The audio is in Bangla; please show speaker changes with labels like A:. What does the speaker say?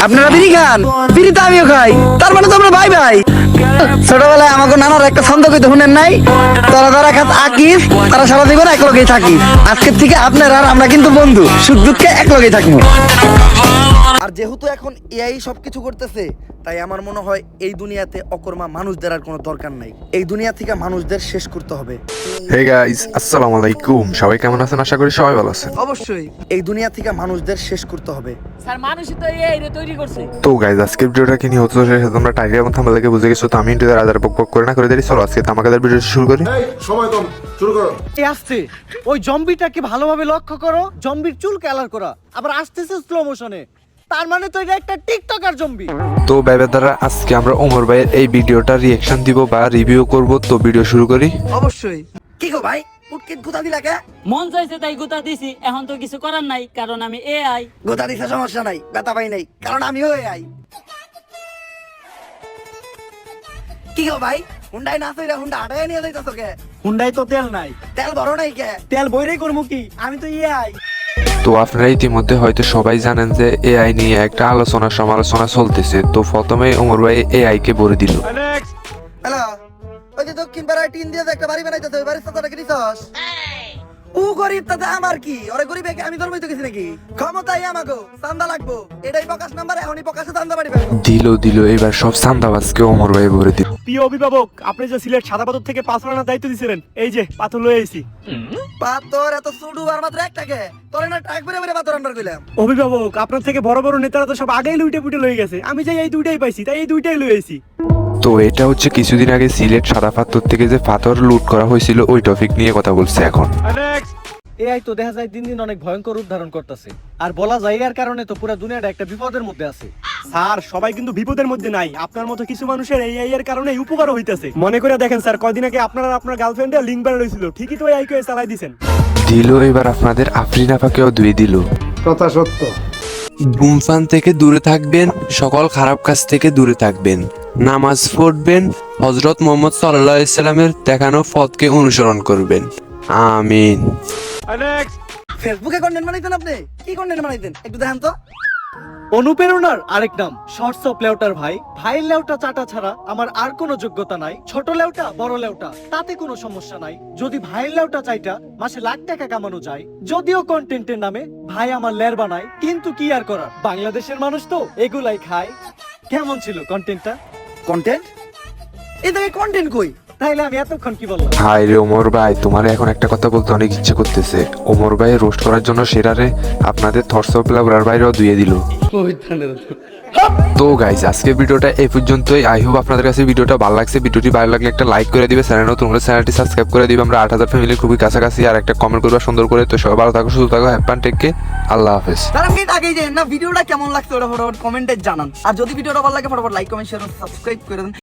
A: আপনারা বিড়ি খান, বিড়ি তো আমিও খাই, তার মানে তো আমরা ভাই ভাই। ছোটবেলায় আমাকে নানার একটা ছন্দ কইতে শুনেন নাই, তোরা যারা খাত আকিস তারা সারা জীবন এক লগেই থাকি। আজকের থেকে আপনারা আর আমরা কিন্তু বন্ধু, সুখ দুঃখে এক লগেই থাকবো। আর যেহেতু এখন এআই সবকিছু করতেছে, তাই আমার মনে হয় এই দুনিয়াতে অকর্মা মানুষদের আর কোনো দরকার নাই। এই দুনিয়া থেকে মানুষদের শেষ করতে হবে।
B: হে গাইস, আসসালামু আলাইকুম। সবাই কেমন আছেন? আশা করি সবাই ভালো আছেন।
A: অবশ্যই এই দুনিয়া থেকে মানুষদের শেষ করতে হবে।
C: স্যার মানুষই তো এই তৈরি করছে।
B: তো গাইস, আজকের ভিডিওটা কি নিয়ে হচ্ছে সেটা তোমরা টাইটেল এবং থাম্বনেল দেখে বুঝে গেছো। তো আমি ইন্টারভিউ আদার বক করে না করে দেরি। চলো আজকে আমাদের ভিডিও শুরু করি।
D: সময় কম, শুরু করো।
E: আসছে ওই জম্বিটাকে ভালোভাবে লক্ষ্য করো, জম্বির চুল কালার করা, আবার আসতেছে স্লো মোশনে, তার মানে তো এটা একটা টিকটকার জম্বি।
B: তো ভাইবের দ্বারা আজকে আমরা ওমর ভাইয়ের এই ভিডিওটা রিঅ্যাকশন দিব বা রিভিউ করব। তো ভিডিও শুরু করি।
A: অবশ্যই। কি গো ভাই, উটকিট গুতা দিলা কে?
C: মন চাইছে তাই গুতা দিছি, এখন তো কিছু করার নাই, কারণ আমি এআই।
A: গোতা দিছে সমস্যা নাই, ব্যথা পাই নাই, কারণ আমিও এআই। কি গো ভাই, হুন্ডাই না চইরা হুন্ডা আটায় নিয়ে যাইতাছো কে?
E: হুন্ডাই তো তেল নাই,
A: তেল ভরো নাই কে?
E: তেল বইরেই করবো কি, আমি তো এআই।
B: তো আপনারা ইতিমধ্যে হয়তো সবাই জানেন যে এআই নিয়ে একটা আলোচনা সমালোচনা চলতেছে। তো প্রথমে ওমর ভাই এআই কে বলে দিল।
A: হ্যালো, ওই যে দক্ষিণ পাড়ায় টিন দিয়ে যে একটা বাড়ি বানাইতেছে, ওই বাড়ির সাথে কি দিছস? ও গরিব তাতে আমার কি? ওরে গরিব আমি ধর্মই তো কিছু নাকি? ক্ষমতাই আমাগো, চান্দা লাগবো, এটাই প্রকাশ নাম্বার, এখনই প্রকাশে চান্দা বাড়ি পাবো।
B: দিল এবার সব চান্দাবাজকে ওমর ভাই বলে দিল।
E: প্রিয় অভিভাবক, আপনি যে সিলেট সাদা পাথর থেকে পাথর আনার দায়িত্ব দিয়েছিলেন, এই যে পাথর লয়ে আইছি।
A: পাথর এত ছোট আর মাত্র একটাকে, তোরে না ট্রাক বেরে বেরে পাথর আনবার কইলাম।
E: অভিভাবক, আপনার থেকে বড় বড় নেতারা তো সব আগেই লুইটে পুটে লয়ে গেছে, আমি যে এই দুইটাই পাইছি, তাই এই দুইটাই লয়ে আইছি।
B: তো এটা হচ্ছে কিছুদিন আগে সিলেট সাদা পাথর থেকে যে পাথর লুট করা হয়েছিল ওই টপিক নিয়ে কথা বলছে এখন।
E: এআই তো দেখা যায় দিন দিন অনেক ভয়ঙ্কর রূপ ধারণ করতেছে, আর বলা যায় এর কারণে তো পুরো দুনিয়াটা একটা বিপদের মধ্যে আছে। স্যার, সবাই কিন্তু বিপদের মধ্যে নাই, আপনার মতো কিছু মানুষের এআই এর কারণে উপকারও হইতাছে। মনে করে দেখেন স্যার, কয়দিন আগে আপনার আর আপনার গার্লফ্রেন্ডের লিংক বানানো হয়েছিল, ঠিকই তো এআই কে চালাই দিয়েছেন।
B: দিল এবার আপনাদের আফরিন আপাকেও দুই দিল।
D: কথা সত্য।
B: ধূমপান থেকে দূরে থাকবেন, সকল খারাপ কাজ থেকে দূরে থাকবেন, নামাজ পড়বেন, হযরত মুহাম্মদ সাল্লাল্লাহু আলাইহি সাল্লামের দেখানো পথকে অনুসরণ করবেন। আমিন।
A: ফেসবুকে কন্টেন্ট বানাইতেন আপনি? কি কন্টেন্ট বানাইতেন একটু দেখান তো।
E: অনুপ্রেরণার আরেক নাম শর্টস অফ লেউটার ভাই। ভাইয়ের লেউটা চাটা ছাড়া আমার আর কোনো যোগ্যতা নাই। ছোট লেউটা বড় লেউটা তাতে কোনো সমস্যা নাই, যদি ভাইয়ের লেউটা চাইটা মাসে লাখ টাকা কামানো যায়। যদিও কন্টেন্টের নামে ভাই আমার লের বানায়, কিন্তু কি আর করার, বাংলাদেশের মানুষ তো এগুলাই খায়। কেমন ছিল কন্টেন্টটা?
A: কন্টেন্ট? এই থেকে কন্টেন্ট কই?
E: তাইলে আমি এতক্ষণ কি বললাম?
B: হাই রে ওমর ভাই, তোমার এখন একটা কথা বলতে অনেক ইচ্ছে করতেছে। ওমর ভাই রোস্ট করার জন্য সেরারে আপনাদের থটস অফ লাভার বাইরেও দিয়ে দিল। তো গাইজ, আজকের ভিডিওটা এই পর্যন্তই। আই হোপ আপনাদের কাছে ভিডিওটা ভালো লাগছে। ভিডিওটি ভালো লাগলে একটা লাইক করে দিবে, চ্যানেল নতুন হলে চ্যানেলটি সাবস্ক্রাইব করে দিবে। আমরা 8000 ফ্যামিলির খুবই কাছাকাছি। আর একটা কমেন্ট করবা সুন্দর করে। তো সবাই ভালো থাকো, সুস্থ থাকো, হ্যাপি ফান, টেক কেয়ার, আল্লাহ হাফেজ।
A: তার আগে আগেই যে না ভিডিওটা কেমন লাগছে ওটা ফটাফট কমেন্টে জানান। আর যদি ভিডিওটা ভালো লাগে ফটাফট লাইক কমেন্ট শেয়ার সাবস্ক্রাইব করে দেন।